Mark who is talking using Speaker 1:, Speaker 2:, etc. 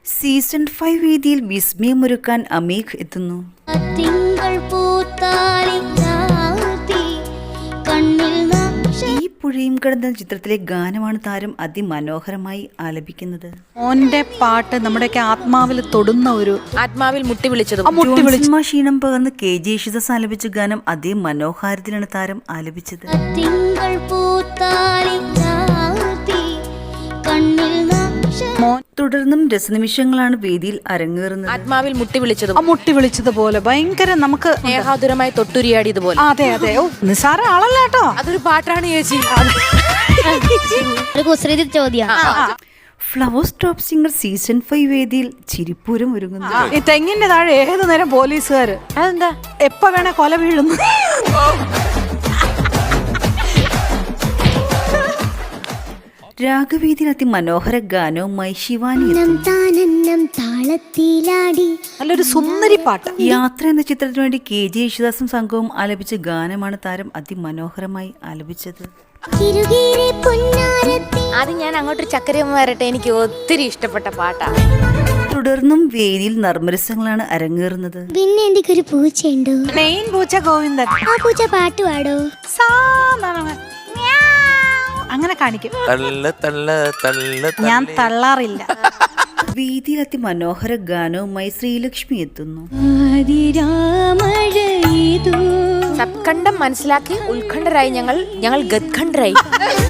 Speaker 1: Season 5 വേദിയിൽ വിസ്മയമൊരുക്കാൻ അമീഖ് എത്തുന്നു. ഈ പുഴയും കടന്ന ചിത്രത്തിലെ ഗാനമാണ് താരം അതിമനോഹരമായി ആലപിക്കുന്നത്.
Speaker 2: ഓന്റെ പാട്ട് നമ്മുടെയൊക്കെ ആത്മാവിൽ തൊടുന്ന ഒരു
Speaker 3: ആത്മാവിൽ മുട്ടി വിളിച്ചത്
Speaker 1: ക്ഷീണം പകർന്ന് KJ യേശുദാസ് ആലപിച്ച ഗാനം അതേ മനോഹാരത്തിലാണ് താരം ആലപിച്ചത്. തുടർന്നും രസനിമിഷങ്ങളാണ് വേദിയിൽ അരങ്ങേറുന്നത്.
Speaker 3: ആത്മാവിൽ
Speaker 2: മുട്ടി വിളിച്ചതുപോലെ ഭയങ്കര നമുക്ക്
Speaker 3: സ്നേഹാതുരമായി തൊട്ടുരിയാടിയതുപോലെ.
Speaker 2: അതെ അതെ. ഓ നിസാര ആളല്ല കേട്ടോ,
Speaker 3: അതൊരു പാട്ടാണ് ചേച്ചി.
Speaker 1: ഫ്ലവേഴ്സ് ടോപ്പ് സിംഗർ സീസൺ 5 വേദിയിൽ ചിരിപ്പൂരം ഒരുങ്ങുന്നു.
Speaker 2: ഈ തെങ്ങിന്റെ താഴെ ഏതു നേരം പോലീസുകാര്
Speaker 3: അതെന്താ
Speaker 2: എപ്പ വേണേ കൊല വീഴുന്നു.
Speaker 1: രാഗവേദിയിൽ അതിമനോഹര ഗാനവുമായി ശിവാനി
Speaker 2: നല്ലൊരു സുന്ദരി പാട്ട്.
Speaker 1: യാത്ര എന്ന ചിത്രത്തിനു വേണ്ടി KJ യേശുദാസും സംഘവും ആലപിച്ച ഗാനമാണ് താരം അതിമനോഹരമായി ആലപിച്ചത്.
Speaker 3: ആദ്യം ഞാൻ അങ്ങോട്ടൊരു ചക്കരയമ്മ വരട്ടെ, എനിക്ക് ഒത്തിരി ഇഷ്ടപ്പെട്ട പാട്ടാണ്.
Speaker 1: തുടർന്നും വേദിയിൽ നർമ്മരസങ്ങളാണ് അരങ്ങേറുന്നത്.
Speaker 4: പിന്നെ എനിക്കൊരു പൂച്ചയുണ്ടോ,
Speaker 2: മെയിൻ പൂച്ച ഗോവിന്ദൻ.
Speaker 4: ആ പൂച്ച പാട്ട് പാടോ,
Speaker 2: അങ്ങനെ കാണിക്കും. ഞാൻ തള്ളാറില്ല.
Speaker 1: വേദിയിൽ അതിമനോഹര ഗാനവുമായി ശ്രീലക്ഷ്മി എത്തുന്നു.
Speaker 3: സത്കണ്ഠം മനസ്സിലാക്കി ഉത്കണ്ഠരായി ഞങ്ങൾ ഗദ്ഖണ്ഡരായി.